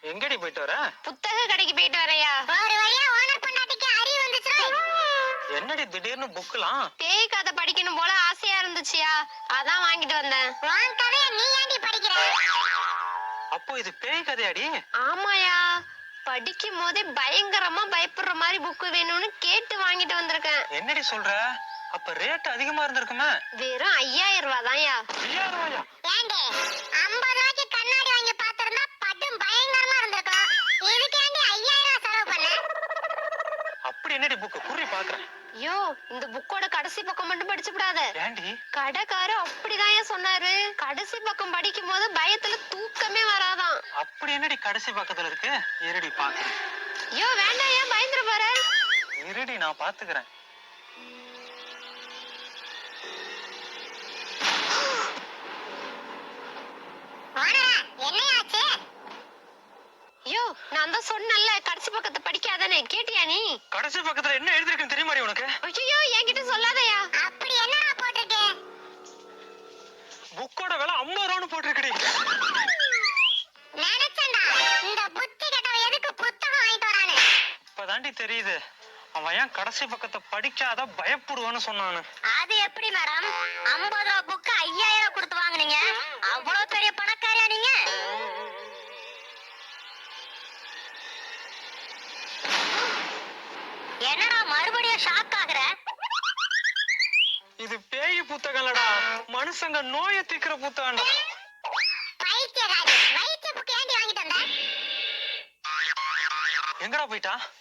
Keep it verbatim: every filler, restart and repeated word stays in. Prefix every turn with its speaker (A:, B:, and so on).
A: எங்கடி போயிட்டு வர?
B: புத்தக கடைக்கு போயிட்டு வரயா.
C: ஒரு வழியா ஓனர் பொண்டாட்டிக்கு அறிவு வந்துச்சு.
A: என்னடி திடீர்னு புக்லாம்?
B: பேய் கதை படிக்கணும் போல ஆசையா இருந்துச்சியா, அதான் வாங்கிட்டு வந்தேன்.
C: உன் கதையை நீ ஏன்டி படிக்கிற?
A: அப்போ இது பேய் கதையாடி?
B: ஆமாயா, படிக்கும் போதே பயங்கரமா பயப்படுற மாதிரி புக்கு வேணும்னு கேட்டு வாங்கிட்டு வந்திருக்கேன்.
A: என்னடி சொல்ற? அப்ப ரேட் அதிகமா இருந்திருக்குமே.
B: வெறும் ஐயாயிரம் ரூபாய் தான்யா.
A: ஐயாயிரம் ரூபாயா?
C: ஏண்டி ஐம்பது ரூபாய்க்கு கண்ணாடி வாங்கி பாத்திருந்தா படும் பயங்கரமா இருந்திருக்கும். இதுக்கு ஏண்டி ஐயாயிரம் செலவு பண்ண?
A: அப்படி என்னடி புக்கு குறி பாக்குறேன்.
B: ஐயோ, இந்த புக்கோட கடைசி பக்கம் மட்டும் படிச்சு விடாத.
A: ஏண்டி?
B: கடைக்காரர் அப்படிதான் சொன்னாரு. கடைசி பக்கம் படிக்கும் போது பயத்துல தூக்கமே வராதான்.
A: அப்படி என்னடி கடைசி பக்கத்துல இருக்கு? இருடி பாக்குறேன்.
B: ஐயோ வேண்டாம், ஏன் பயந்துற பாரு.
A: இருடி நான் பாத்துக்கிறேன்.
B: ஐயோ, நான் தான் சொன்னேன்ல கடைசி பக்கத்தை படிக்காதனே, கேட்டியா நீ?
A: கடைசி பக்கத்துல என்ன எழுதிருக்குன்னு தெரியுமா உனக்கு?
B: ஐயோ, என்கிட்ட சொல்லாதயா.
C: அப்படி என்னடா போட்டுருக்கு?
A: புக்கோட விலை ஐம்பது ரூபான்னு போட்டிருக்குடி.
C: நினைச்சேன்டா இந்த புத்தி கெட்டவன் எதுக்கு புத்தகம் வாங்கிட்டு வரானே.
A: இப்பதாண்டி தெரியுது அவன் ஏன் கடைசி பக்கத்தை படிக்காத பயப்படுவான்னு சொன்னானு.
C: அது எப்படி மேடம் ஐம்பது ரூபா புக்கு ஐயாயிரம் கொடுத்து வாங்குனீங்க? அவ்வளவு பெரிய பணக்காரியா நீங்க? என்னடா மறுபடியும் ஷாக் ஆகுற?
A: இது பேய் புத்தகம்லடா, மனுஷங்க நோயை தீக்கிற புத்தகம்டா.
C: பைத்தியக்காரி, வைத்திய புக்கு ஏண்டி வாங்கிட்டு வந்த?
A: எங்கடா போயிட்டா?